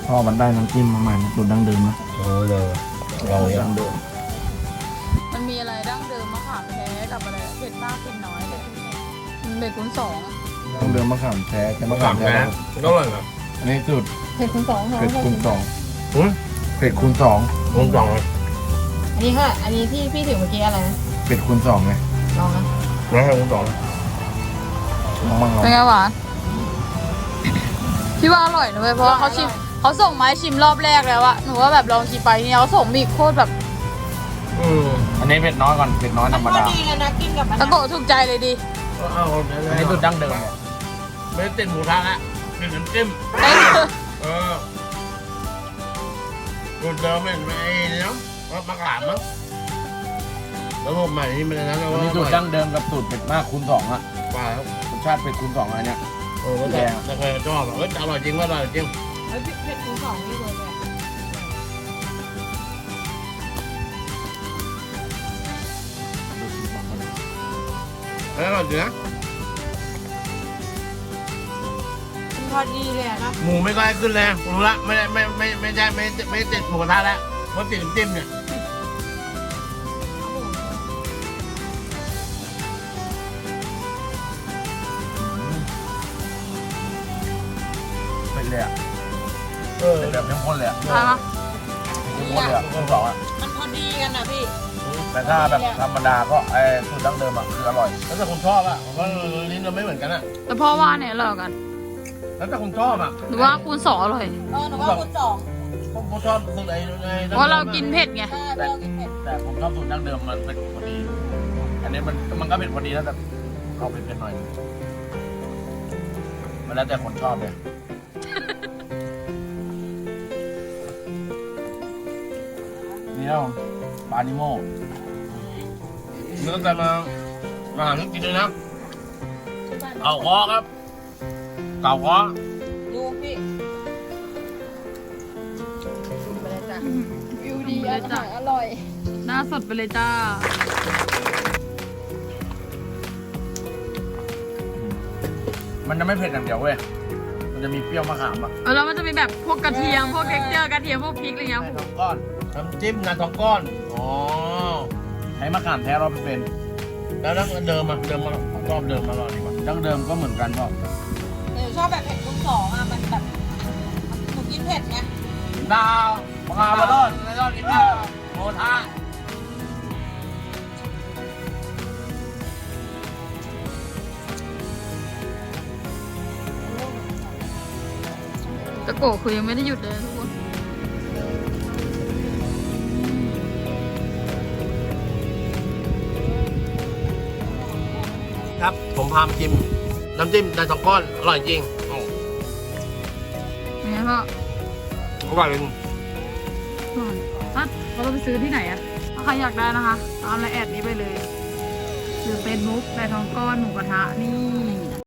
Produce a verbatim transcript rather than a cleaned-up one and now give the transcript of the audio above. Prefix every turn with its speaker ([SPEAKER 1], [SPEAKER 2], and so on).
[SPEAKER 1] พอมันได้น้ำจิ้มมาใหม่สูตรดั้งเดิมนะ
[SPEAKER 2] โอ้เลยเราเนี่ย
[SPEAKER 1] ดั้งเดิม
[SPEAKER 3] มันมีอะไรดั้งเดิมมะขามแท้กับอะไรเผ็ดมากเผ็ดน้อยเลยมันเป็นคูณสอง
[SPEAKER 1] ดั้งเดิมมะขามแท้แต่มะขามแท้
[SPEAKER 2] ก็อร่อยนะ
[SPEAKER 1] อันนี้สูตร
[SPEAKER 3] เผ็ดคูณสอง
[SPEAKER 1] เผ็ดคูณสอง
[SPEAKER 2] อืม
[SPEAKER 1] เผ็ดคูณสอง
[SPEAKER 2] ผมสองเลย
[SPEAKER 3] อันนี้ค่ะ อันนี้ที่พี่ถือเมื่อกี้อะไรนะ
[SPEAKER 1] เผ็ดคูณสองไง
[SPEAKER 3] ลองนะ
[SPEAKER 2] แล้วให้ผมสอง
[SPEAKER 1] ลองบ้างลอง
[SPEAKER 3] เป็นไงหวานพี่ว่าอร่อยนะเว้ยเพราะว่าเขาชิมเขาส่งมาให้ชิมรอบแรกแล้วอะหนูว่าแบบลองชิมไปเนี่ยเขาส่งมาอีกโคตรแบบ
[SPEAKER 2] อืม
[SPEAKER 1] อันนี้เผ็ดน้อยก่อนเผ็ดน้อยธรรมดา
[SPEAKER 3] ตะโกะถูกใจเลยดิ
[SPEAKER 2] เอา
[SPEAKER 1] อันนี้สูตรดั้งเดิมเนี่ย
[SPEAKER 2] ไม่ได้ติดหมูทะละเป็นน้ำจิ้มเออสูตรเดิมเป็นไอ้นี่เนาะมะขามมั้งแล้วผมใหม่นี่มันนั้น
[SPEAKER 1] อันนี้สูตรดั้งเดิมกับสูตรเผ็ดมากคูณสองอะ
[SPEAKER 2] ปลาครับ
[SPEAKER 1] รสชาติเผ็ดคูณสองอันเนี้ย
[SPEAKER 2] โอ้ก็แต่แต่เคยชอบอ่ะเอออร่อยจริงว่าอร่อยจริง
[SPEAKER 3] เฮ้ยเผ็ดคูณสองนี่เลยเนี่ย
[SPEAKER 2] เอออร่อยจริงนะ
[SPEAKER 3] พอดีเลยอะนะ
[SPEAKER 2] หมูไม่ค่อยขึ้นแรงรู้ละไม่ได้ไม่ไม่ไม่ใช่ไม่ไม่ติดหมูกระทะแล้วเพราะติดน้ำจิ้มเนี่ย
[SPEAKER 1] เป็นเลยอะ
[SPEAKER 2] เออ
[SPEAKER 1] เป็นแบบเข้มข้นเลยอะ
[SPEAKER 3] อ่ะ
[SPEAKER 1] เข้มข้นเลยอะคูณสองอะ
[SPEAKER 3] มันพอดีกันนะพี่
[SPEAKER 1] แต่ถ้าแบบธรรมดาก็ไอ้สูตรดั้งเดิมอะคืออร่อย
[SPEAKER 2] แล้วแต่คนชอบอ่ะผมว่าลิ้นเราไม่เหมือนกันอ่ะ
[SPEAKER 3] แต่พ่อว่าเนี่ยอร่อยกัน
[SPEAKER 2] แล้วแต่คนชอบอ่ะ
[SPEAKER 3] หรือว่าคูณสองอร่อย
[SPEAKER 4] เออหนูว่าคูณสอง
[SPEAKER 2] ผมผมชอบสูตรไอ้ไอ้
[SPEAKER 3] เพราะเรากินเผ็ดไง
[SPEAKER 4] ใช่เพราะเรากินเผ็ด
[SPEAKER 1] แต่ผมชอบสูตรดั้งเดิมมันเป็นพอดี อันนี้มันมันก็เป็นพอดีแล้วแต่เอาเป็นเป็นหน่อยมันแล้วแต่คนชอบเลยนี่ครับผมปลานิโม
[SPEAKER 2] เนื้อแต่มามาหาที่กินเลยนะเก่าคอครับเก่าคอ
[SPEAKER 4] ดูพี่
[SPEAKER 3] ไปเลยจ้ะ
[SPEAKER 4] วิวดีอาหารอร่อย
[SPEAKER 3] หน้าสดไปเลยจ้า
[SPEAKER 1] มันจะไม่เผ็ดอย่างเดียวเว้ยมันจะมีเปรี้ยวมะขามอะ
[SPEAKER 3] เออแล้วมันจะมีแบบพวกกระเทียม พวกเท็กเจอร์กระเทียม พวกพริกอะไรเงี้ย
[SPEAKER 1] ใส่ท้องก้อน
[SPEAKER 2] น้ำจิ้มงาทองก้อนอ๋อ
[SPEAKER 1] ใช้มะขามแท้ร้อยเปอร์เซ็นต์
[SPEAKER 2] แล้วแล้วเดิมอ่ะเดิมมาชอบเดิมมาอร่อยดีกว่า
[SPEAKER 1] ดั้งเดิมก็เหมือนกันก็
[SPEAKER 4] หนูชอบแบบเผ็ดคูณสองอ่ะ มันแบบหนูกินเผ็ดไง
[SPEAKER 1] ดาวมะขามมาลอดมาลอดกินข้าวโมทะ
[SPEAKER 3] ตะโกะคือยังไม่ได้หยุดเลยทุกคน
[SPEAKER 2] ครับผมพามจิ้มน้ำจิ้มงาทองก้อนอร่อยจริงโอ้
[SPEAKER 3] เป็นไงพ่อ
[SPEAKER 2] อร่อยจริง
[SPEAKER 3] ถ้าเราต้องไปซื้อที่ไหนอะถ้าใครอยากได้นะคะ ตามไลน์แอดนี้ไปเลย หรือเฟซบุ๊กแต่ทองก้อนหมูกระทะนี่